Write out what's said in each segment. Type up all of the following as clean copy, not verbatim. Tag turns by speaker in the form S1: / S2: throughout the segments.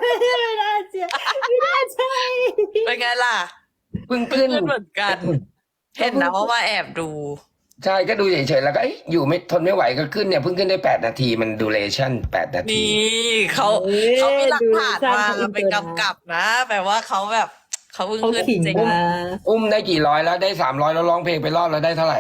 S1: ไม่น่าเชื่อไม่น่าใช่
S2: เป็นไงล่ะ
S3: เพิ่งขึ้น
S2: เหมือนกัน เห็นนะว่าแอบดู
S3: ใช่ก็ดูเฉยๆแล้วก็อยู่ไม่ทนไม่ไหวก็ขึ้นเนี่ยเพิ่งขึ้นได้8 นาทีมันดูเลชั่น8 นาที
S2: นี่เขามีหลักฐานมาเป็นกำกับนะแปลว่าเขาแบบเขาเพิ่ง
S1: เขา
S2: ขึ้น
S1: ขิง
S2: จริง
S1: มา
S3: อุ้มได้กี่ร้อยแล้วได้300แล้วร้องเพลงไปรอบแล้วได้เท่าไหร่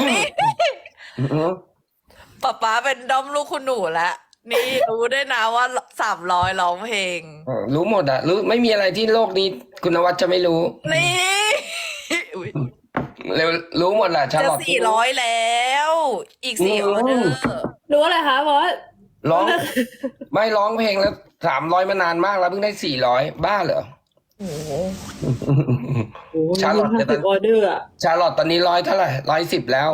S2: ป๊าเป็นด้อมลูกคุณหนูแล้วนี่รู้ได้วยนะว่า300ร้องเพลง
S3: รู้หมดอะรู้ไม่มีอะไรที่โลกนี้คุณนวัดจะไม่รู้
S2: นี่อุ๊ย
S3: เร็วรู้หมดแหละชา
S2: จะ
S3: ลอต
S2: 400แล้ว อีก4ออเดอร์
S1: รู้อะไรคะบอส
S3: ร้อง ไม่ร้องเพลงแล้ว300มานานมากแล้วเพิ่งได้400บ้าเหรอ
S2: โอ้โห
S1: โอ้
S3: ชาลอต
S1: 50 ออเดอร์อะ
S3: ชาลอตตอนนี้100เท่าไหร่110แล้ว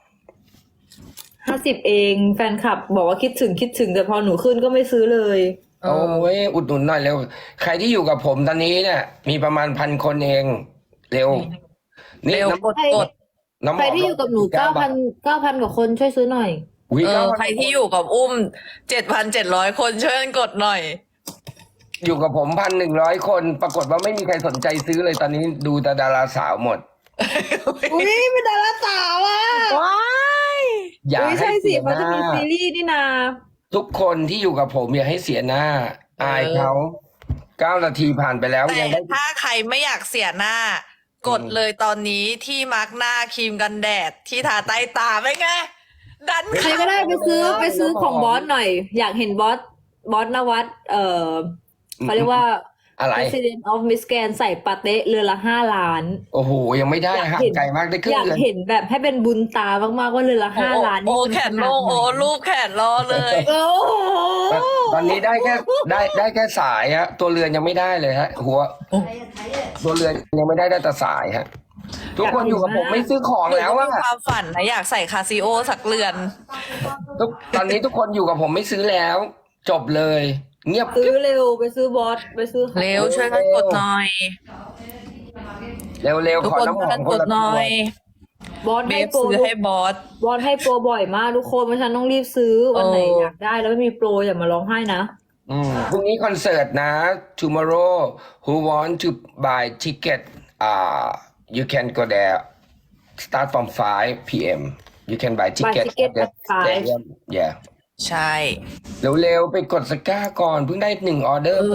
S1: 50 เองแฟนคลับบอกว่าคิดถึงแต่พอหนูขึ้นก็ไม่ซื้อเลย
S2: เอ
S3: โอ้
S2: อ
S3: ยอุดหนุนหน่อยเร็ว ใครที่อยู่กับผมตอนนี้เนี่ย มีประมาณ1,000 คนเองเร็ว
S2: เร็ว
S3: น้ำ
S2: กด
S3: น้ำห
S1: ใคร
S3: อม
S1: ที่อยู่กับหนู
S3: 9 บาท
S1: 9,000กว่าคนช่วยซื้อหน่อย
S3: อุ๊ย
S2: ใครที่อยู่กับอุ้ม7,700 คนช่วยกันกดหน่อย
S3: อยู่กับผม1,100 คนปรากฏว่าไม่มีใครสนใจซื้อเลยตอนนี้ดูแต่ดาราสาวหมด
S1: อุ้ยเป็นดาราสาวอ่ะ
S2: ว้าย
S3: อย่า
S1: อุ้ย
S3: ให้
S1: ใช่สิ
S3: เสียห
S1: เขาจะ
S3: น้า
S1: มีซีรีส์นี่นา
S3: ทุกคนที่อยู่กับผมอย่าให้เสียหน้า อายเขา9 นาทีผ่านไปแล้ว
S2: แต่
S3: ยังได้
S2: ถ้าใครไม่อยากเสียหน้า กดเลยตอนนี้ที่มาร์กหน้าครีมกันแดดที่ทาใต้ตาไปไง ดัน
S1: ใครก็ได้ไปซื้อของบอสหน่อย อยากเห็นบอสนวัดเขาเรียกว่า
S3: อะไร
S1: President of Miss Grand ใส่ปาเต้เรือนละ5 ล้าน
S3: โอ้โหยังไม่ได้ห่างไกลมากได้ครึ่
S1: อง ยาก
S3: เดือน
S1: เห็นแบบให้เป็นบุญตามากๆว่าเรือนละ5 ล้าน
S2: โอ้
S1: มัน
S2: แขนโลง
S1: ขนาดไหน
S2: โอ้รูปแขนรอเลย
S1: โอ้โห
S3: ตอนนี้ได้แค่ได้แค่สายฮะ ตัวเรือนยังไม่ได้เลยฮะ หัว ตัวเรือนยังไม่ได้แต่สายฮะ ทุกคนอยู่กับผมไม่ซื้อของแล้ว
S2: มี
S3: อะ
S2: ความฝันนะอยากใส่คาซิโอสักเรือน
S3: ตอนนี้ทุกคนอยู่กับผมไม่ซื้อแล้ว จบเลย เงียบ
S1: ซื้อเร็วไปซื้อบอสไปซื้อ
S2: เร็วช่วยกันกดหน่อย
S3: เร็ว
S2: ทุก
S3: ขอ
S2: คน
S3: น้ำห
S2: ช่วย
S3: อ
S2: กั
S3: ม
S2: น
S3: ค
S2: ก
S3: น
S2: ด
S3: ละ
S2: ห
S3: ตั
S2: น่
S3: ว
S2: อย
S1: บอส
S2: เบ
S1: ให้
S2: ฟ
S1: โปร
S2: ซื้อให้บอส
S1: บอสให้โปรบ่อยมากทุกคนเพราะฉันต้องรีบซื้อวันไหน
S2: เออ
S1: อ
S2: อ
S1: ยากได้แล้วไม่มีโปรอย่ามาร้องไห้นะ
S3: พรุ่งนี้คอนเสิร์ตนะ tomorrow who want to buy ticket you can go there start from 5 p.m. you can buy ticket
S1: ticket
S3: at the
S1: at 5.
S3: stadium yeah
S2: ใช่
S3: เร็วๆไปกดสก้าก่อนเพิ่งได้1 ออเดอร์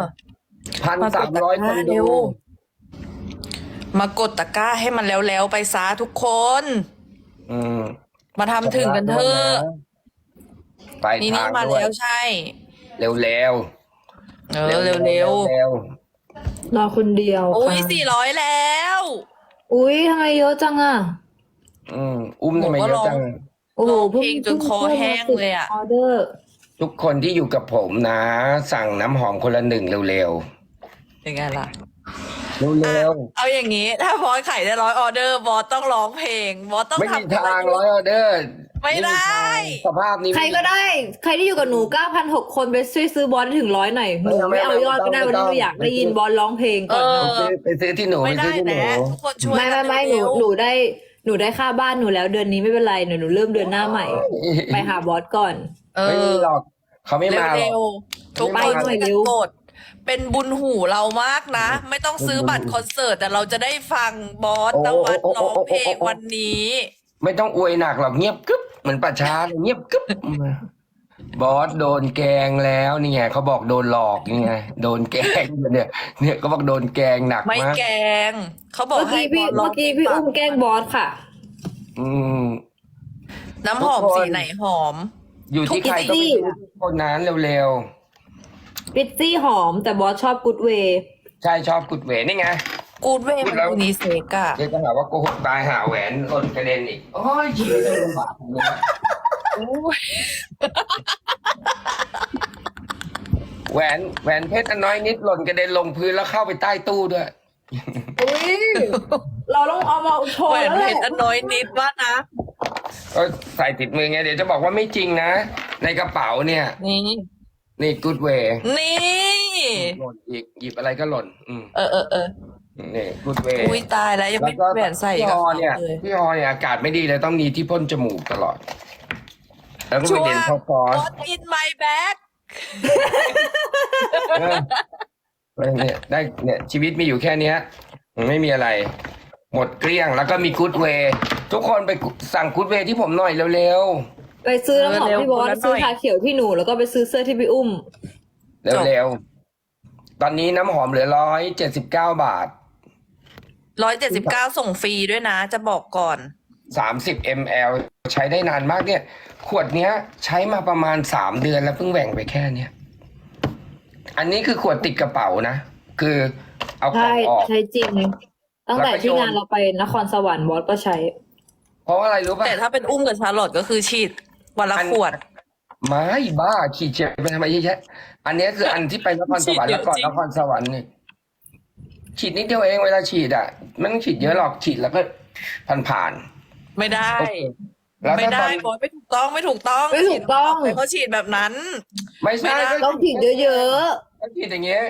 S3: 1,300 คน
S2: เร็
S3: ดู
S2: ว มากดตะกร้าให้มันแล้วๆไปซะทุกคน
S3: อืม
S2: มาทำถึงกันเถอะ
S3: ไป
S2: นี่
S3: ทาง
S2: มา
S3: ด้วย
S2: แล้วใช่
S3: เร็วๆ
S2: เร็ว
S3: เร็ว
S1: รอคนเดียว
S2: ๆอุ้ย
S1: ค่ะ
S2: 400แล้ว
S1: อุ้ยทำไมเยอะจังอ่ะ
S3: อุ้มทำไมเยอะจัง
S1: โอ้โห
S2: ร้องเพลงจนคอแห้งเลยอะ
S1: ออเดอร์
S3: ทุกคนที่อยู่กับผมนะ สั่งน้ำหอมคนละ1เร็ว
S2: เป็นไงล่ะ
S3: ๆเร็ว
S2: เอาอย่างนี้ ถ้าบอสขายได้100 ออเดอร์บอสต้องร้องเพลงบอสต้อง
S3: ไม่มี
S2: ทำ
S3: ทาง100 ออเดอร์
S2: ไม่ได้
S3: สภาพนี้
S1: ใครก็ได้ ใครที่อยู่กับหนู 9,600 คนไปช่วยซื้อบอสให้ถึง100หน่อยหนูไม่เอายอดก็ได้วันนี้หนูอยากได้ยินบอสร้องเพลงก่อนนะ
S3: ไปซื้อที่หนู
S2: ไม่
S3: ไป
S2: ได้
S3: ซื้อที่หนู
S2: นะทุกคนช่วย
S1: ไม่
S2: กัน
S1: ห
S2: เร็ว
S1: นูได้ค่าบ้านหนูแล้วเดือนนี้ไม่เป็นไรหนูเริ่มเดือนหน้าใหม่ ไปหาบอสก่อน
S2: เอ
S3: ไม่มี
S2: อ
S3: หรอกเขาไม่มาหร
S2: เร็
S3: อก
S2: วๆทุกคน
S1: ไปหน่
S2: ช่
S1: อ
S2: วย ย
S1: เร็
S2: กัน
S1: ว
S2: กดเป็นบุญหูเรามากนะ ไม่ต้องซื้อบัตรคอนเสิร์ตแต่เราจะได้ฟังบอสนวัดร้องเพลงวันนี้
S3: ไม่ต้องอวยหนักหรอกเงียบกึ๊บเหมือนป่าช้าเลยเงียบกึ๊บบอสโดนแกล้งแล้วนี่ไงเขาบอกโดนหลอกนี่ไงโดนแกล้งเนี่ยเขาบอกโดนแกล้งหนัก
S2: ไม่
S3: มาก
S2: แกงเขาบอก
S1: เมื่อ
S2: ให้
S1: กี้
S2: บอสร้อง
S1: พี่อุ้มแกล้งบอสค่ะ
S3: อืม
S2: น้ำหอม
S3: ทุกคน
S2: สีไหนหอม
S3: อยู่ที่ใครต้องไปซื้อคนนั้นเร็ว
S1: ปิซซี่หอมแต่บอสชอบกูดเวย์
S3: ๆใช่ชอบกุดเวนี่ไง
S2: กูดเวย์มันยูนิเซกอะ
S3: เดี๋ยวจะหาว่าโกหกตายหาแหวนหล่นกระเด็นอีกโอ้ยชีวิตลำบากอย่างนี้แหวนเพชรอันน้อยนิดหล่นกระเด็นลงพื้นแล้วเข้าไปใต้ตู้ด้วย
S1: อุ้ยเราต้องเอามาโช
S2: แห
S1: ว์
S2: วน
S1: แล้ว
S2: เพ
S1: แหละ
S2: ชรอันน้อยนิดว่านะ
S3: ก็ใส่ติดมือไงเดี๋ยวจะบอกว่าไม่จริงนะ ในกระเป๋าเนี่ย
S2: นี่
S3: นี่กูดเวย์
S2: นี่
S3: หล่นอีกหยิบอะไรก็หล่น
S2: เออ
S3: นี่กูดเวย์
S2: อุ้ยตายแล้วยัง
S3: แล้
S2: ไม่
S3: วก็
S2: แหวนใส่
S3: พี่
S2: กับ
S3: ฮอ
S2: เขา
S3: เนี่ย
S2: เลย
S3: พี่ฮอเนี่ยอากาศไม่ดีเลยต้องมีที่พ่นจมูกตลอด แล้วก็ไปเด่นพอฟอส
S2: What in my bag
S3: เออเนี่ยได้เนี่ยชีวิตมีอยู่แค่เนี้ยไม่มีอะไร หมดเกลี้ยงแล้วก็มีกู๊ดเวย์ทุกคนไปสั่งกู๊ดเวย์ที่ผมหน่อยเร็ว
S1: ไปซื้อน้ำหอมพี่บอส
S2: เร็วๆ
S1: ซื้อชาเขียวที่หนูแล้วก็ไปซื้อเสื้อที่พี่อุ้ม
S3: ๆเร็วๆตอนนี้น้ำหอมเหลือ179 บาท
S2: 179ส่งฟรีด้วยนะ จะบอกก่อน
S3: 30 ml ใช้ได้นานมากเนี่ย ขวดเนี้ย ใช้มาประมาณ3 เดือนแล้วเพิ่งแหว่งไปแค่เนี้ยอันนี้คือขวดติดกระเป๋านะคือเอากล่อ
S1: ใช่
S3: งออก
S1: ใช่จริง ตั้งแต่
S3: แล้วก็
S1: ที่
S3: โยน
S1: งานเราไปนครสวรรค์บอสก็ใช้
S3: เพราะว่าอะไรรู้ป่ะ
S2: แต่ถ้าเป็นอุ้มกับชาร์ลอตก็คือฉีดวันละขวด
S3: ไม่บ้าขีดเจ็บไปทำไมเยอะแยะอันนี้คืออันที่ไปนครสวรรค์
S2: ฉีดเย
S3: แล้
S2: อะ
S3: วก่อน
S2: จริง
S3: นครสวรรค์เนี่ยฉีดนิดเดียวเองเวลาฉีดอ่ะไม่ต้องฉีดเยอะหรอกฉีดแล้วก็ผ่าน
S2: ไม่ได้
S3: ๆแล้ว
S2: ไม่
S3: ถ้าต
S2: ได้
S3: อน
S2: บอสไม่ถูกต้องไม่ถูกต้อง
S1: ไม่ถูกต้อง
S2: ฉีดเขาฉีดแบบนั้น
S3: ไม่ใช่
S2: ไม่ได้
S3: ก็
S1: ต้องผิดเยอะ
S3: ก็ฉีดอย่างเงี้ย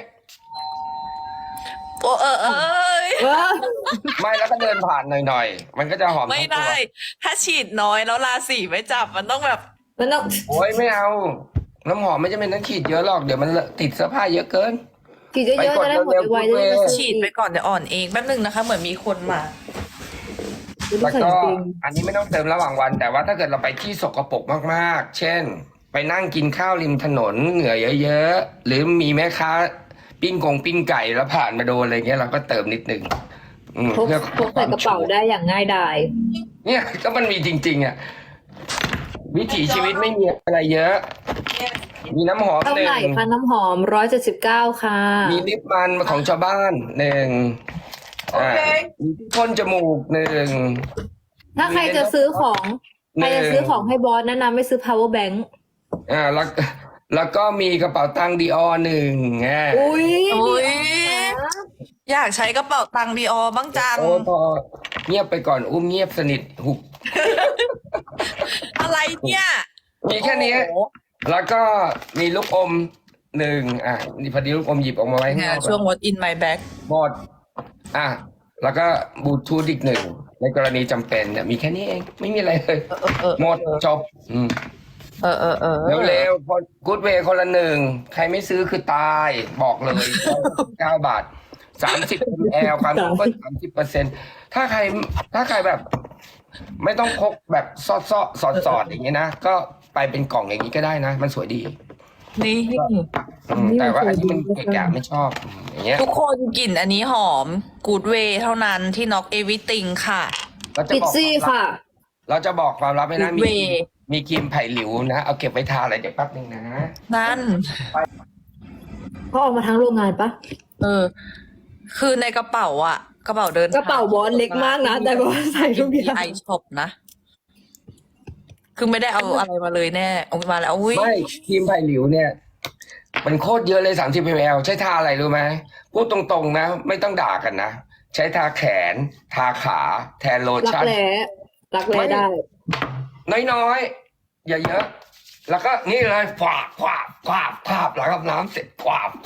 S2: โอ้เอ้ย
S1: ๆเออ
S3: ไม่แล้วก็เดินผ่านหน่อยๆมันก็จะหอม
S2: ไม่
S3: ทั้งตัว
S2: ได้ ถ้าฉีดน้อยแล้วราศีไม่จับมันต้องแบบ
S1: มันต้อง
S3: โอ้ยไม่เอาน้ำหอมไม่จำเป็นต้องฉีดเยอะหรอกเดี๋ยวมันติดเสื้อผ้าเยอะเกิน
S1: ผิดเยอะๆจะได้หมดไวๆจะได้ไม่
S2: ฉีดไปก่อนเดี๋ยวอ่อนเองแป๊บนึงนะคะ เหมือนมีคนมา
S3: แล้วก็อันนี้ไม่ต้องเติมระหว่างวัน แต่ว่าถ้าเกิดเราไปที่สกปรกมากๆ เช่น ไปนั่งกินข้าวริมถนนเหงื่อเยอะๆหรือมีแม่ค้าปิ้งไก่แล้วผ่านมาโดนอะไรเงี้ยเราก็เติมนิดนึง
S1: พก
S3: เพื่อ
S1: พกใส่กระเป๋าได้อย่างง่ายดาย
S3: เนี่ยก็มันมีจริงๆอ่ะวิถีชีวิตไม่มีอะไรเยอะ มีน้ำหอม
S1: เท่า
S3: หนึ่
S1: ไหร่
S3: ง
S1: คะน้ำหอม179ค่ะ
S3: มีลิปมันของชาวบ้านหนึ่งมีที่พ่นจมูกหนึ่ง
S1: ถ้าใครจะซื้อของใครจะซื้อของให้บอสแนะนำไม่ซื้อ power bank
S3: แล้วก็มีกระเป๋าตังค์ดีออหนึ่ง
S1: อุ้ย
S2: อุ๊ย
S1: ดีนะ
S2: อยากใช้กระเป๋าตังค์ดีออบ้างจัง
S3: โอ้พอเงียบไปก่อนอุ้มเงียบสนิทหุบ
S2: อะไรเนี่ย
S3: มีแค่นี้
S2: โอ้โห
S3: แล้วก็มีลูกอมหนึ่งนี่พอดีลูกอมหยิบออกมาไว้ข้าง
S2: เนี่
S3: น
S2: ย
S3: อก
S2: ช่วง what in my bag
S3: หมดแล้วก็บลูทูธอีกหนึ่งในกรณีจำเป็นเนี่ยมีแค่นี้เองไม่มีอะไรเลย หมดจบ เร็วๆพอกู๊ดเวย์คนละหนึ่งใครไม่ซื้อคือตายบอกเลย9 บาท30 ml ความเข้มข้น30%ถ้าใครแบบ ไม่ต้องพกแบบสอดอย่างเงี้ยนะ ก็ไปเป็นกล่องอย่างนี้ก็ได้นะ มันสวยดี
S2: นี่
S3: แต่ว่าอันนี้มันเกะกะไม่ชอบอย่างเงี้ย
S2: ทุกคนกลิ่นอันนี้หอม Good Way เท่านั้นที่ Knock Everything ค่ะ
S3: เราจะ
S1: ปิด
S3: บอก
S1: ซี่ค่ะ
S3: เราจะบอกความลับให้นะ
S2: Good Way
S3: มีครีมไผ่หลิวนะ เอาเก็บไว้ทาอะไรเดี๋ยวแป๊บนึงนะ
S2: นั่น
S1: เขาออกมาทั้งโรงงานปะ
S2: คือในกระเป๋าอะกระเป๋าเดินทง
S1: กระเป๋าบอสเล็กมากนะแต่บอสใส่ทุกอย่าง
S2: ไอช็อปนะ คือไม่ได้เอาอะไรมาเลยแน่เอามาแล้วอุ้ย
S3: ไม่ครีมไผ่หลิวเนี่ย มันโคตรเยอะเลย30 ml ใช้ทาอะไรรู้ไหมพูดตรงๆนะ ไม่ต้องด่ากันนะ ใช้ทาแขน ทาขา แทนโล
S1: รัก
S3: ชั่น
S1: แร้รักแร้ได้
S3: น้อยๆ อย่าเยอะ แล้วก็นี่เลยขวาบหลังอาบน้ำเสร็จขวาบ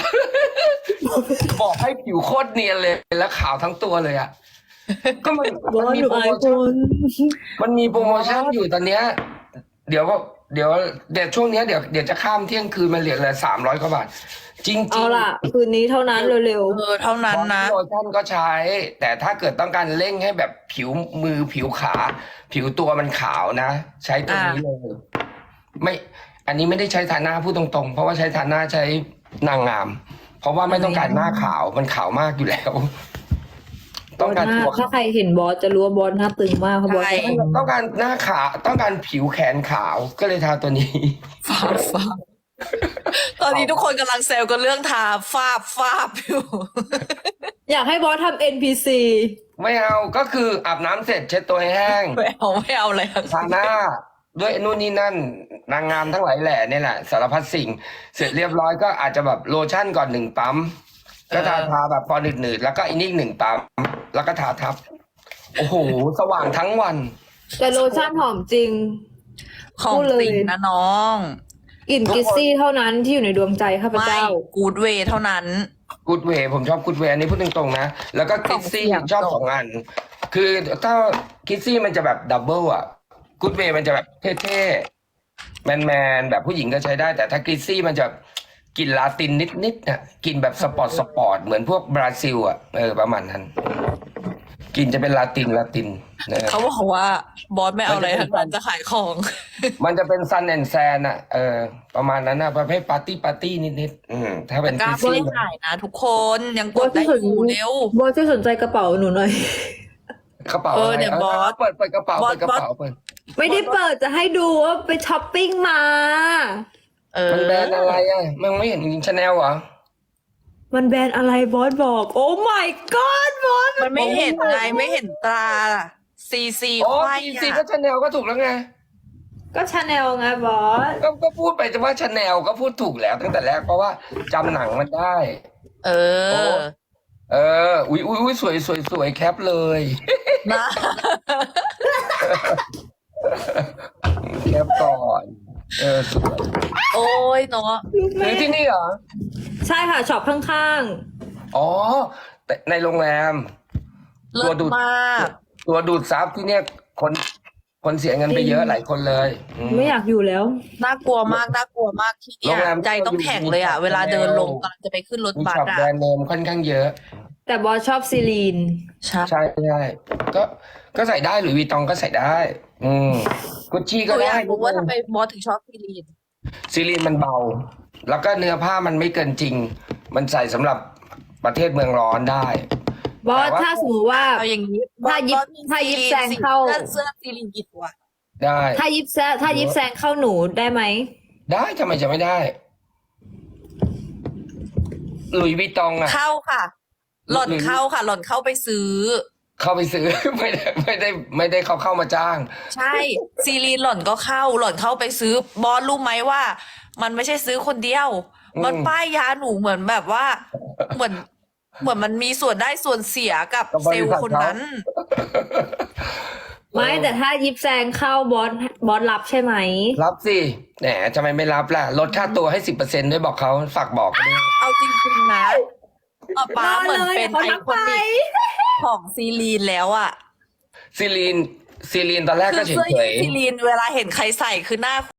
S3: บอกให้ผิวโคตรเนียนเลย แล้วขาวทั้งตัวเลยอ่ะ ก็มัน
S1: บอส
S3: มี
S1: หนู
S3: โปร
S1: อา
S3: โม
S1: ยค
S3: ชั่น
S1: น
S3: มันมีโปรโมชั่นอยู่ตอนเนี้ย เดี๋ยวช่วงเนี้ยเดี๋ยวจะข้ามเที่ยงคืนมันเหลือ300 กว่าบาท จริงๆ
S1: เอาล่ะ คืนนี้เท่านั้นเร็ว
S2: เท่านั้นนะ
S3: โลชั่นก็ใช้ แต่ถ้าเกิดต้องการเร่งให้แบบผิวมือผิวขา ผิวตัวมันขาวนะ ใช้ตัวนี้เลยไม่ อันนี้ไม่ได้ใช้ทาหน้าพูดตรงๆ เพราะว่าใช้ทาหน้าใช้นางงาม เพราะว่าไม่ต้องการหน้าขาวมันขาวมากอยู่แล้ว
S1: ๆ
S3: ต้องการ
S1: หน้า
S3: ตัว
S1: ถ้าใครเห็นบอสจะรู้ว่าบอสหน้าตึงมากเพราะบอส
S2: ใช่
S3: ต้องการหน้าขาวต้องการผิวแขนขาวก็เลยทาตัวนี้
S2: ฟาบตอนนี้ทุกคนกำลังเซลล์กันเรื่องทาฟาบอยู่
S1: อยากให้บอสทำ NPC
S3: ไม่เอาก็คืออาบน้ำเสร็จเช็ดตัวให้แห้ง
S2: ไม่เอาเลย
S3: ทาหน้าด้วยนู่นนี่นั่นนางงามทั้งหลายแหล่เนี่ยแหละสารพัดสิ่ง เสร็จเรียบร้อยก็อาจจะแบบโลชั่นก่อน1 ปั๊มก็ทาแบบพอหนืดๆแล้วก็อีก1 ปั๊มแล้วก็ทาทับ โอ้โห สว่างทั้งวัน
S1: แต่โลชั่นหอมจริง
S2: ของ
S1: พูดเลย
S2: จริงนะน้อง
S1: กลิ่นกิซซี่เท่านั้นที่อยู่ในดวงใจข้าพ
S2: ไม่
S1: เจ้า
S2: Good Way เท่านั้น
S3: กูดเวย์ผมชอบกูดเวย์อันนี้พูดตรงๆนะ แล้วก็คิดซี่
S2: ของเสียง
S3: ชอบ2 อัน คือถ้าคิดซี่มันจะแบบดับเบิลอ่ะกูดเวย์มันจะแบบเท่ๆแมนๆแบบผู้หญิงก็ใช้ได้ แต่ถ้าคิดซี่มันจะกลิ่นลาตินนิดๆน่ะกลิ่นแบบสปอร์ตเหมือนพวกบราซิลอ่ะประมาณนั้นกลิ่นจะเป็นลาตินนะ
S2: เขาบอกว่าบอสไม่เอาอะไรทั้งนั้นจะขายของ
S3: มันจะเป็นซันแอนแซนอ่ะประมาณนั้นนะประเภทปาร์ตี้นิดถ้าเป็น
S2: กล้า
S3: ซี
S2: ไม่ขายนะทุกคนยังกดได้อยู่เร็ว
S1: บอสช่วยสนใจกระเป๋าหนูหน่อย
S3: กระเป๋า
S2: เดี๋ยวบอส
S3: เปิดกระเป๋า
S2: บอส
S3: เปิดกระเป๋าเปิด
S1: ไม่ได้เปิดจะให้ดูว่าไปช้อปปิ้งมา
S3: มันแบรนด์อะไรอ่ะมันไม่เห็นชาแนลเหรอ
S1: มันแบรนด์อะไรบอสบอก โอ้ my god บอส
S2: มันไม่เห็นไงไม่เห็นตราซีซี
S3: โอ้
S2: ควาย
S3: ซีก็ชาแนลก็ถูกแล้วไง
S1: ก็ชาแนลไงบอส
S3: ก็พูดไปแต่ว่าชาแนลก็พูดถูกแล้วตั้งแต่แรกเพราะว่าจำหนังมันได้
S2: เออ
S3: อุ้ยสวยแคปเลย
S2: นะ
S3: แคปก่อนสวย
S2: โอ้ยเนาะ
S3: ซื้อที่นี่เหรอ
S1: ใช่ค่ะช็อปข้าง
S3: อ๋อแต่ในโรงแรม
S2: เลิศมาก
S3: ตัวดูดซับที่เนี่ยคนเสียเงินไปเยอะหลายคนเลย
S1: ๆไม่อยากอยู่แล้ว
S2: น่ากลัวมากที่เนี่
S3: โร
S2: ย
S3: งแรม
S2: ใจต้องแข็งเลยอ่ะ เวลาเดินลงกำลังจะไปขึ้นรถ
S3: มี
S2: บัส
S3: ช็อป
S2: อ่ะ
S3: แบรนด์เนมค่อนข้างเยอะ
S1: แต่บอสชอบซีลีน
S2: ใช่
S3: ใช่ก็ใส่ได้หรือวีตองก็ใส่ได้ กุชชี่
S2: ห
S3: ก็
S2: นูอ
S3: ได้
S2: ยากรู้ว่าทำไมบอสถึงชอบซีรีน
S3: ซีรีนมันเบา แล้วก็เนื้อผ้ามันไม่เกินจริง มันใส่สำหรับประเทศเมืองร้อนได้
S1: บอส
S3: แต่ว่า
S1: ถ้าสมมติว่า
S2: เอาอย่างนี้
S1: ถ้ายิบ
S2: บอสมี
S1: ถ้ายิบ
S2: ซีรีน
S1: แซงเข้า
S2: เสื้อซีรีนกี่ตัว
S3: ได้
S1: ถ้ายิบแซงเข้าหนูได้ไหม
S3: ได้ทำไมจะไม่ได้ หลุยส์วิตตองอะ
S2: เข้าค่ะ หล่อนเข้าค่ะ หล่อนเข้าไปซื้อ
S3: เข้าไปซื้อ ไม่ได้เข้ามาจ้าง
S2: ใช่ ซีรีนหล่อนก็เข้า หล่อนเข้าไปซื้อบอสรู้ไหมว่า มันไม่ใช่ซื้อคนเดียว มันป้ายยาหนูเหมือนแบบว่า เหมือนมันมีส่วนได้ส่วนเสียกับ
S3: กับบริษัท
S2: เซลล์คนนั้น
S1: ไม่แต่ถ้ายิบแซงเข้าบอสรับใช่ไหม
S3: รับสิแหมทำไมไม่รับล่ะ ลดค่าตัวให้ 10%ด้วยบอกเขาฝากบอกด้วย
S2: เอาจริงๆนะป้าเหมือนเป็น
S1: รอเลย
S2: ไอ
S1: เขา
S2: คอนิกของซีรีนแล้วอ่ะ
S3: ซีรีนตอนแรก
S2: คื
S3: ก็
S2: อ
S3: เฉ
S2: เสื้อยื
S3: ย
S2: ดซีรีนเวลาเห็นใครใส่คือหน้า